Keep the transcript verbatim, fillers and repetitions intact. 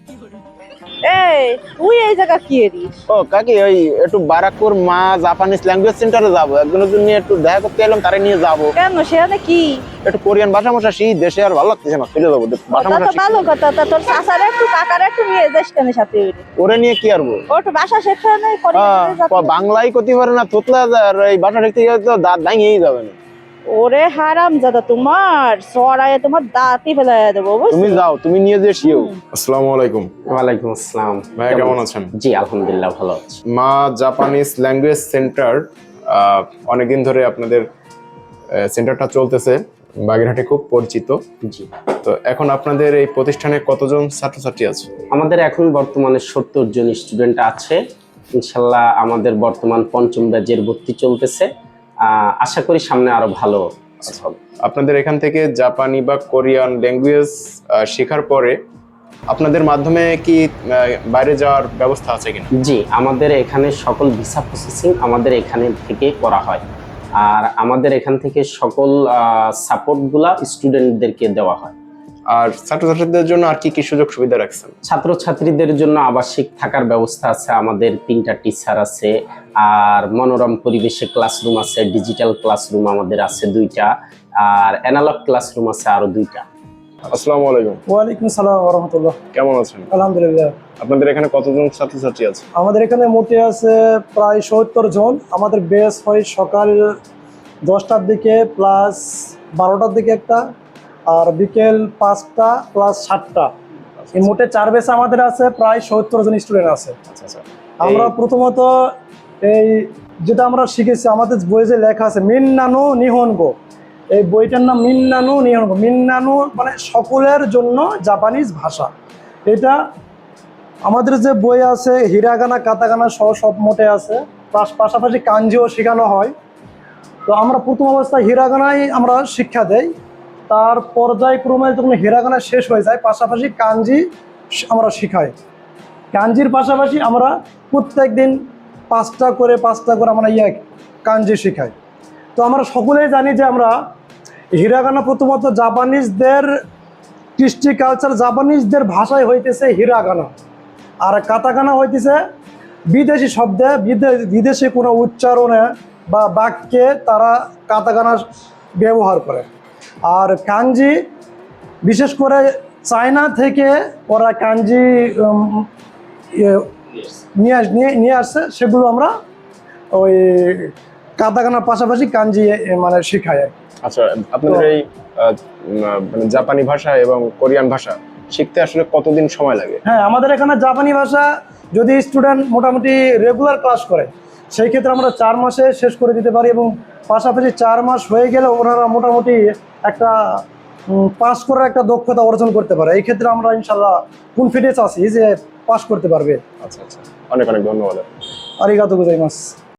এই তুই এই জায়গা কি এরিস? ও কাকি, ওই একটু বারাকপুর মা জাপানিজ ল্যাঙ্গুয়েজ সেন্টারে যাবো, একজনের জন্য একটু দেখা করতে এলাম, তারে নিয়ে যাবো। কেন, সেখানে কি? একটু কোরিয়ান ভাষা মশা শিখ, দেশে আর ভালো লাগতেছে না, ফিরে যাবো ভাষা ওটা মশা তো শিখতে। ভালো কথা, তা তোর চাচার একটু কাকার একটু নিয়ে যাস কেন সাথে? ওরে নিয়ে কি আরবো? ও একটু বাসা শেখা নেই হ্যাঁ, বাংলাই করতে পারে না, তোতলা আর এই ভাষা শিখতে গেলে তো দাঁত ভাঙিয়েই যাবে না। ওরে হারাম জাদা, তোমার সরায়ে তোমার দাঁতই ফেলাই দেবো। তুমি যাও, তুমি নিয়ে যে শিও। আসসালামু আলাইকুম। ওয়ালাইকুম আসসালাম। ভাই কেমন আছেন? জি আলহামদুলিল্লাহ ভালো আছি। মা জাপানিজ ল্যাঙ্গুয়েজ সেন্টার, অনেকদিন ধরে আপনাদের সেন্টারটা চলতেছে, বাগেরহাটে খুব পরিচিত। জি, তো এখন আপনাদের এই প্রতিষ্ঠানে কতজন ছাত্রছাত্রী আছে? আমাদের এখন বর্তমানে সত্তর জন স্টুডেন্ট আছে। ইনশাল্লাহ আমাদের বর্তমান পঞ্চম ব্যাচের ভর্তি চলতেছে। আহ, আশা করি সামনে আরো ভালো হবে। আপনাদের এখান থেকে জাপানি বা কোরিয়ান ল্যাঙ্গুয়েজ শেখার পরে আপনাদের মাধ্যমে কি আহ, বাইরে যাওয়ার ব্যবস্থা আছে কিনা? জি, আমাদের এখানে সকল ভিসা প্রসেসিং আমাদের এখানে থেকে করা হয়, আর আমাদের এখান থেকে সকল সাপোর্টগুলা স্টুডেন্টদেরকে দেওয়া হয়। আর ছাত্রছাত্রীদের জন্য আর কি কি সুযোগ সুবিধা রাখছেন? ছাত্রছাত্রীদের জন্য আবাসিক থাকার ব্যবস্থা আছে, আমাদের তিনটা টিচার আছে, আর মনোরম পরিবেশে ক্লাসরুম আছে, ডিজিটাল ক্লাসরুম আমাদের আছে দুইটা, আর অ্যানালগ ক্লাসরুম আছে আরো দুইটা। আসসালামু আলাইকুম। ওয়ালাইকুম সালাম ওয়া রাহমাতুল্লাহ। কেমন আছেন? আলহামদুলিল্লাহ। আপনাদের এখানে কতজন ছাত্রছাত্রী আছে? আমাদের এখানে মোটে আছে প্রায় সত্তর জন। আমাদের বেস হয় সকাল দশটার দিকে প্লাস বারোটার দিকে একটা, আর বিকেল পাঁচটা প্লাস সাতটা। এই মোটে চার বেস আমাদের আছে, প্রায় সত্তর জন স্টুডেন্ট আছে। আচ্ছা আচ্ছা। আমরা প্রথমত এই যেটা আমরা শিখেছি, আমাদের বইয়ে যে লেখা আছে মিন্নানো নিহনগো, এই বইটার নাম মিন্নানো নিহনগো। মিন্নানো মানে সকলের জন্য জাপানিজ ভাষা। এটা আমাদের যে বই আছে হিরাগানা কাতাগানা সহ সব মোটে আছে, পাশাপাশি কাঞ্জিও শেখানো হয়। তো আমরা প্রথম অবস্থায় হিরাগানাই আমরা শিক্ষা দেই, তার পর্যায়ক্রমে যখন হিরাগানা শেষ হয়ে যায় পাশাপাশি কাঞ্জি আমরা শিখাই। কাঞ্জির পাশাপাশি আমরা প্রত্যেক দিন পাঁচটা করে পাঁচটা করে আমরা ইয়ে কাঞ্জি শিখাই। তো আমরা সকলেই জানি যে আমরা হিরাগানা প্রথমত জাপানিজদের কৃষ্টি কালচার, জাপানিজদের ভাষায় হইতেছে হিরাগানা, আর কাতাকানা হইতেছে বিদেশি শব্দে বিদেশি কোনো উচ্চারণে বা বাক্যে তারা কাতাকানা ব্যবহার করে। আর কাঞ্জি বিশেষ করে চায়না থেকে ওরা কাঞ্জি নিয়ে নিয়ে আসছে, সেগুলো আমরা ওই কাতাকানার পাশাপাশি কাঞ্জি মানে শিখাই। আচ্ছা, আপনাদের এই মানে জাপানি ভাষা এবং কোরিয়ান ভাষা শিখতে আসলে কতদিন সময় লাগে? হ্যাঁ, আমাদের এখানে জাপানি ভাষা যদি স্টুডেন্ট মোটামুটি রেগুলার ক্লাস করে সেই ক্ষেত্রে আমরা চার মাসে শেষ করে দিতে পারি, এবং পাশাপাশি চার মাস হয়ে গেলে ওনারা মোটামুটি একটা পাস করার একটা দক্ষতা অর্জন করতে পারে। এই ক্ষেত্রে আমরা ইনশাল্লাহ কনফিডেন্স আছি যে পাস করতে পারবে। আচ্ছা আচ্ছা, অনেক অনেক ধন্যবাদ। আরিগাতো গোজাইমাস।